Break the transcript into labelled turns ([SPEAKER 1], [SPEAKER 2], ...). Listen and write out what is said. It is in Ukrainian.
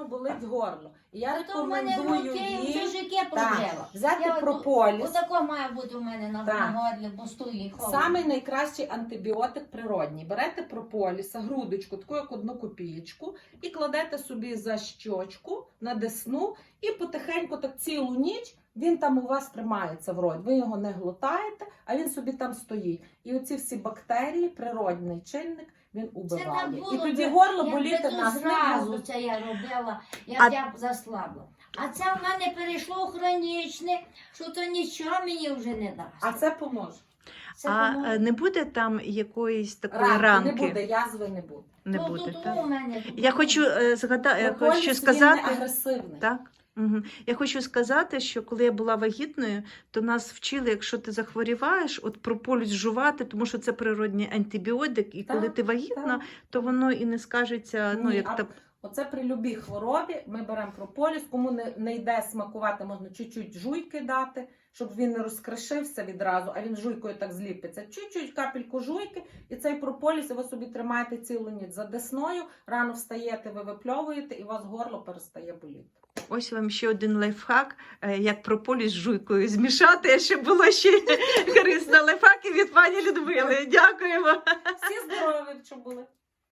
[SPEAKER 1] сильно болить горло. І я
[SPEAKER 2] То в мене
[SPEAKER 1] рекомендую
[SPEAKER 2] руки,
[SPEAKER 1] їм
[SPEAKER 2] чужики пожила.
[SPEAKER 1] взяти прополіс.
[SPEAKER 2] Отако має бути у мене на горлі, бо стоїть холодно.
[SPEAKER 1] Самий найкращий антибіотик природній. Берете прополіса, грудочку, таку як 1 копієчку, і кладете собі за щочку, на десну, і потихеньку так цілу ніч він там у вас тримається в роті. Ви його не глотаєте, а він собі там стоїть. І оці всі бактерії, природний чинник, він убиває. І тоді горло боліти нас не
[SPEAKER 2] зразу
[SPEAKER 1] буде.
[SPEAKER 2] це я робила, як я заслабла. А це в мене перейшло хронічне, що то нічого мені вже не дасть.
[SPEAKER 1] А це поможе.
[SPEAKER 3] Не буде там якоїсь такої
[SPEAKER 1] Ранки
[SPEAKER 3] ранки?
[SPEAKER 1] не буде, язви не буде.
[SPEAKER 3] Не
[SPEAKER 2] Ну,
[SPEAKER 3] буде,
[SPEAKER 2] тут
[SPEAKER 3] так?
[SPEAKER 2] у мене.
[SPEAKER 3] Я хочу
[SPEAKER 1] Прополіс,
[SPEAKER 3] хочу
[SPEAKER 1] він
[SPEAKER 3] сказати,
[SPEAKER 1] не агресивний.
[SPEAKER 3] так? Угу. Я хочу сказати, що коли я була вагітною, то нас вчили, якщо ти захворіваєш, от прополіс жувати, тому що це природний антибіотик, і коли ти вагітна, то воно і не скажеться, ну, як та...
[SPEAKER 1] Оце при любій хворобі ми беремо прополіс, кому не йде смакувати, можна чуть-чуть жуйки дати, щоб він не розкришився відразу, а він жуйкою так зліпиться. Чуть-чуть капельку жуйки, і цей прополіс ви собі тримаєте цілу ніч за десною, рано встаєте, ви випльовуєте, і у вас горло перестає боліти.
[SPEAKER 3] Ось вам ще один лайфхак, як прополіс з жуйкою змішати, щоб було ще корисно. Лайфхаки від пані Людмили. Дякуємо.
[SPEAKER 1] Всі здорові, що були.